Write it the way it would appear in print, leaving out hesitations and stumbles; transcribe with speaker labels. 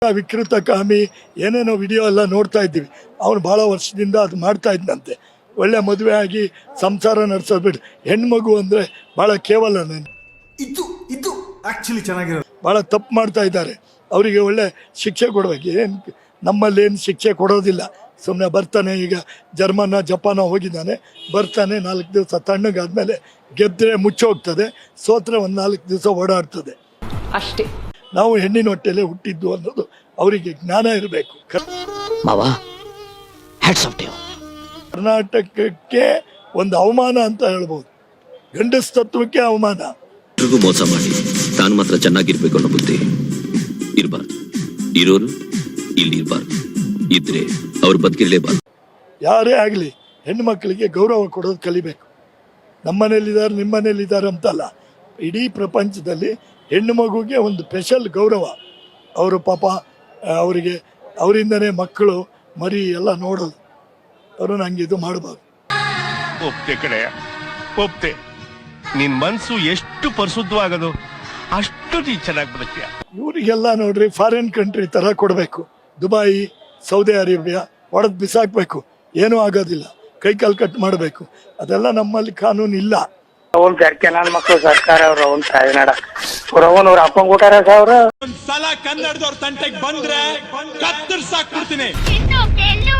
Speaker 1: ವಿಕೃತ ಕಾಮಿ ಏನೇನೋ ವಿಡಿಯೋ ಎಲ್ಲ ನೋಡ್ತಾ ಇದ್ದೀವಿ. ಅವನು ಭಾಳ ವರ್ಷದಿಂದ ಅದು ಮಾಡ್ತಾ ಇದ್ದಂತೆ. ಒಳ್ಳೆ ಮದುವೆ ಆಗಿ ಸಂಸಾರ ನಡೆಸೋದು ಬಿಟ್ಟು ಹೆಣ್ಮಗು ಅಂದರೆ ಭಾಳ ಕೇವಲ.
Speaker 2: ಇದು ಆಕ್ಚುಲಿ ಚೆನ್ನಾಗಿರೋದು.
Speaker 1: ಭಾಳ ತಪ್ಪು ಮಾಡ್ತಾ ಇದ್ದಾರೆ. ಅವರಿಗೆ ಒಳ್ಳೆ ಶಿಕ್ಷೆ ಕೊಡಬೇಕು. ಏನು ನಮ್ಮಲ್ಲಿ ಏನು ಶಿಕ್ಷೆ ಕೊಡೋದಿಲ್ಲ. ಸುಮ್ಮನೆ ಬರ್ತಾನೆ, ಈಗ ಜಪಾನ ಹೋಗಿದ್ದಾನೆ, ಬರ್ತಾನೆ 4 ದಿವಸ ತಣ್ಣಗಾದ್ಮೇಲೆ ಗೆದ್ದರೆ ಮುಚ್ಚೋಗ್ತದೆ, ಸೋತ್ರೆ ಒಂದು 4 ದಿವಸ ಓಡಾಡ್ತದೆ
Speaker 3: ಅಷ್ಟೇ.
Speaker 1: ನಾವು ಹೆಣ್ಣಿನ ಹೊಟ್ಟೆಲೆ ಹುಟ್ಟಿದ್ದು ಅನ್ನೋದು ಅವರಿಗೆ ಜ್ಞಾನ ಇರಬೇಕು. ಕರ್ನಾಟಕಕ್ಕೆ ಒಂದು ಅವಮಾನ ಅಂತ ಹೇಳ್ಬೋದು. ಗಂಡಸ ತತ್ವಕ್ಕೆ ಅವಮಾನ.
Speaker 4: ಮೋಸ ಮಾಡಿ ತಾನು ಮಾತ್ರ ಚೆನ್ನಾಗಿರ್ಬೇಕು ಅನ್ನೋ ಬುದ್ಧಿ ಇರಬಾರ್ದು. ಇರೋರು ಇಲ್ಲಿ ಇರಬಾರ್ದು, ಇದ್ರೆ ಅವ್ರು ಬದುಕಿರ್ಲೇಬಾರ್ದು.
Speaker 1: ಯಾರೇ ಆಗಲಿ ಹೆಣ್ಣು ಮಕ್ಕಳಿಗೆ ಗೌರವ ಕೊಡೋದು ಕಲಿಬೇಕು. ನಮ್ಮನೇಲಿದ್ದಾರೆ ನಿಮ್ಮನೇಲಿದ್ದಾರೆ ಅಂತಲ್ಲ, ಇಡೀ ಪ್ರಪಂಚದಲ್ಲಿ ಹೆಣ್ಣು ಮಗುಗೆ ಒಂದು ಸ್ಪೆಷಲ್ ಗೌರವ. ಅವರು ಪಾಪ ಅವರಿಗೆ ಅವರಿಂದನೇ ಮಕ್ಕಳು ಮರಿ ಎಲ್ಲ ನೋಡೋದು. ಅವರು ನಂಗೆ ಇದು ಮಾಡಬಾರ್ದು.
Speaker 5: ಒಪ್ತೆ ಕಡೆಯ ಒಪ್ತೆ. ನಿನ್ ಮನ್ಸು ಎಷ್ಟು ಪರಿಶುದ್ಧವಾಗದು ಅಷ್ಟು ನೀ ಚೆನ್ನಾಗಿ ಬದುಕ್ತೀಯ.
Speaker 1: ಇವರಿಗೆಲ್ಲ ನೋಡ್ರಿ ಫಾರಿನ್ ಕಂಟ್ರಿ ತರ ಕೊಡಬೇಕು. ದುಬೈ, ಸೌದಿ ಅರೇಬಿಯಾ ಹೊಡೆದು ಬಿಸಾಕ್ಬೇಕು. ಏನೂ ಆಗೋದಿಲ್ಲ. ಕೈಕಾಲು ಕಟ್ ಮಾಡಬೇಕು. ಅದೆಲ್ಲ ನಮ್ಮಲ್ಲಿ ಕಾನೂನು ಇಲ್ಲ.
Speaker 6: ಅವನ್ ಜರ್ಕೆ ನನ್ನ ಮಕ್ಕಳು ಸರ್ಕಾರ ಅವ್ರು ಅವನ್ ತಾಯಿನಾಡ ಅವ್ರ ಅಪ್ಪಂಗ್ ಊಟಾರ ಅವ್ರ
Speaker 7: ಒಂದ್ಸಲ ಕನ್ನಡದವ್ರ ತಂಟೆಗೆ ಬಂದ್ರೆ ಕತ್ತರ್ಸಾಕ್ಬಿಡ್ತೀನಿ.